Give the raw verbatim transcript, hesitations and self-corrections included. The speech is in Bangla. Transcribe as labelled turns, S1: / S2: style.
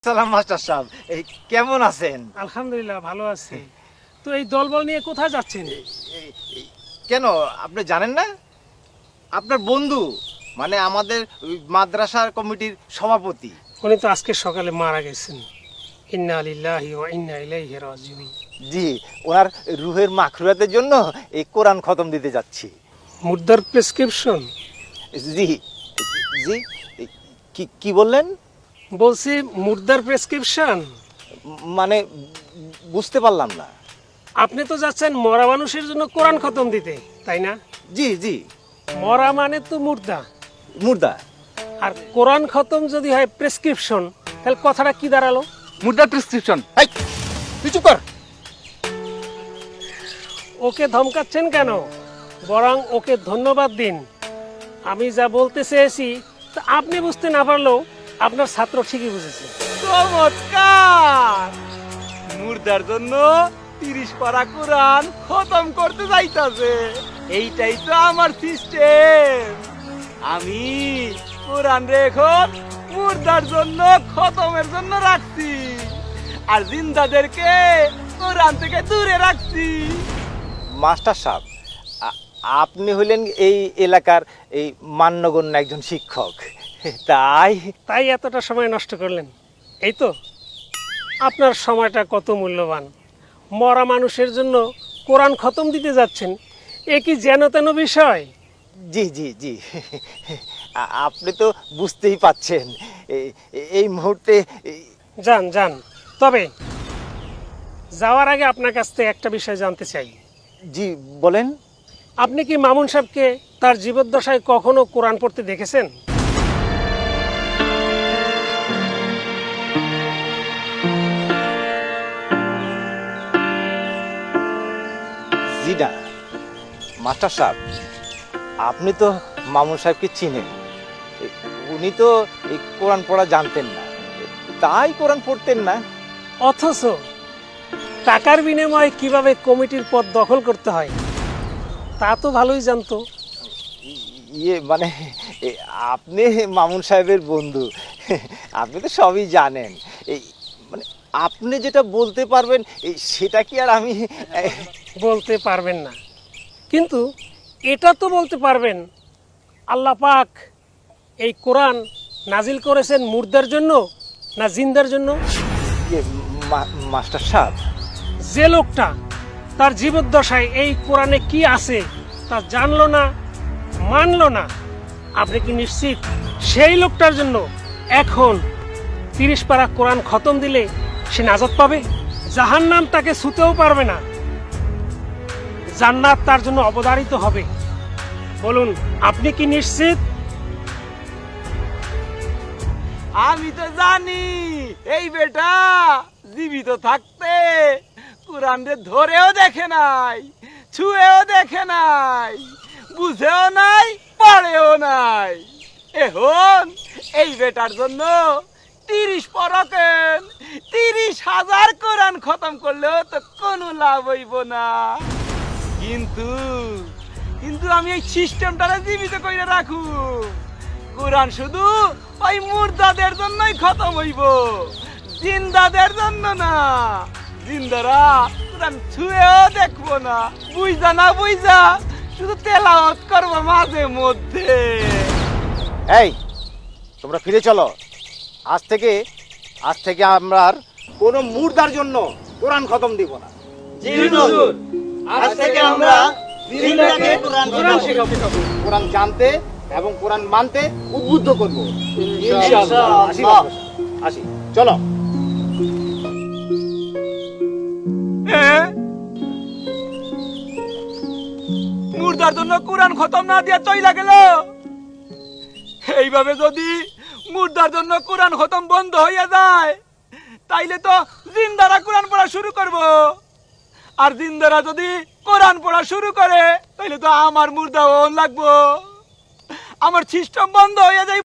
S1: সালাম মাস্টার সাহেব, এই কেমন আছেন?
S2: আলহামদুলিল্লাহ ভালো আছি। তো এই দলবল নিয়ে কোথায় যাচ্ছেন?
S1: এই- এই- কেন আপনি জানেন না? আপনার বন্ধু, মানে আমাদের ওই মাদ্রাসার কমিটির সভাপতি।
S2: উনি তো আজকে সকালে মারা গেছেন। ইন্না লিল্লাহি ওয়া ইন্না ইলাইহি রাজিউন।
S1: জি, ওনার রুহের মাখরুয়াতের জন্য এই কোরআন খতম দিতে যাচ্ছি।
S2: মুর্দার প্রেসক্রিপশন?
S1: জি জি, এই কি কি বললেন?
S2: বলছি মুর্দার প্রেসক্রিপশন।
S1: মানে বুঝতে পারলাম না।
S2: আপনি তো যাচ্ছেন মরা মানুষের জন্য কোরআন খতম দিতে, তাই না?
S1: জি জি,
S2: মরা মানে তো মুর্দা,
S1: মুর্দা।
S2: আর কোরআন খতম যদি হয় প্রেসক্রিপশন, তাহলে কথাটা কি দাঁড়ালো?
S3: মুদ্রা প্রেসক্রিপশন।
S1: এই, তুই চুপ কর।
S2: ওকে ধমকাচ্ছেন কেন? বরং ওকে ধন্যবাদ দিন। আমি যা বলতে চেয়েছি তা আপনি বুঝতে না পারলেও আপনার ছাত্র ঠিকই বুঝেছে।
S3: চমৎকার! মুর্দার জন্য তিরিশ পারা কোরআন খতম করতে যাইতাছে। এইটাই তো আমার সিস্টেম। আমি কোরআন রেখন মুর্দার জন্য খতমের জন্য রাখছি, আর জিন্দাদেরকে কোরআন থেকে দূরে রাখছি।
S1: মাস্টার সাহেব, আ- আপনি হলেন এই এলাকার এই মান্যগণ্য একজন শিক্ষক, তাই
S2: তাই এতটা সময় নষ্ট করলেন? এই তো, আপনার সময়টা কত মূল্যবান। মরা মানুষের জন্য কোরআন খতম দিতে যাচ্ছেন, এ কি যেন তেন বিষয়?
S1: জি জি জি, আ- আপনি তো বুঝতেই পাচ্ছেন এই- এই মুহূর্তে এই-
S2: যান যান, তবে যাওয়ার আগে আপনার কাছ থেকে একটা বিষয় জানতে চাই।
S1: জি বলেন।
S2: আপনি কি মামুন সাহেবকে তার জীবদ্দশায় কখনো কোরআন পড়তে দেখেছেন?
S1: জি না মাস্টার সাহেব, আপনি তো মামুন সাহেবকে চিনেন। এ- উনি তো এই কোরআন পড়া জানতেন না, তাই কোরআন পড়তেন না।
S2: অথচ টাকার বিনিময়ে কিভাবে কমিটির পদ দখল করতে হয় তা তো ভালোই জানতো।
S1: ইয়ে মানে এ, আপনি মামুন সাহেবের বন্ধু, আপনি তো সবই জানেন। এই মানে আপনি যেটা বলতে পারবেন এই সেটা কি আর আমি এ,
S2: বলতে পারবেন না, কিন্তু এটা তো বলতে পারবেন আল্লাহ পাক এই কোরআন নাজিল করেছেন মুর্দার জন্য না জিন্দার জন্য?
S1: ইয়ে, মা- মাস্টার সাহেব,
S2: যে লোকটা তার জীবদ্দশায় এই কোরআনে কি আছে তা জানলো না, মানলো না, আপনি কি নিশ্চিত সেই লোকটার জন্য এখন তিরিশ পারা কোরআন খতম দিলে সে নাজাত পাবে? জাহান্নাম তাকে ছুতেও পারবে না, জান্নাত তার জন্য অবধারিত হবে। বলুন, আপনি কি নিশ্চিত?
S3: আমি তো জানি এই বেটা জীবিত থাকতে কোরআনরে ধরেও দেখে নাই, ছুঁয়েও দেখে নাই, বুঝেও নাই, পড়েও নাই। এখন এই বেটার জন্য তিরিশ পরকেন তিরিশ হাজার কোরআন খতম করলেও তো কোনো লাভ হইব না। কিন্তু কিন্তু আমি এই সিস্টেমটারে জীবিত করে রাখু। কোরআন শুধু ওই মুর্দাদের জন্যই খতম হইব, জিন্দাদের জন্য না। জিন্দারা কোরআন ছুঁয়েও দেখবো না, বুঝা না বুঝা শুধু তেলাওয়াত করবো মাঝে মধ্যে।
S1: এই তোমরা ফিরে চলো। আজ থেকে আজ থেকে আমরা আর কোনো মুর্দার জন্য কোরআন খতম দিব না।
S3: আজ থেকে আমরা জিন্দাকে
S1: কোরআন
S3: কোরআন
S1: শেখাবো, কোরআন জানতে এবং কোরআন মানতে উদ্বুদ্ধ করবো।
S3: ইনশাআল্লাহ।
S1: আসি বাবা, আসি, চলো।
S3: হ্যাঁ? মুর্দার জন্য কোরআন খতম না দিয়া চইলা গেল। এইভাবে যদি মুর্দার জন্য কোরআন খতম বন্ধ হইয়া যায়, তাইলে তো জিন্দারা কোরআন পড়া শুরু করব। আর জিন্দারা যদি কোরআন পড়া শুরু করে, তাইলে তো আমার মুর্দা লাগবো, আমার সিস্টেম বন্ধ হইয়া যায়।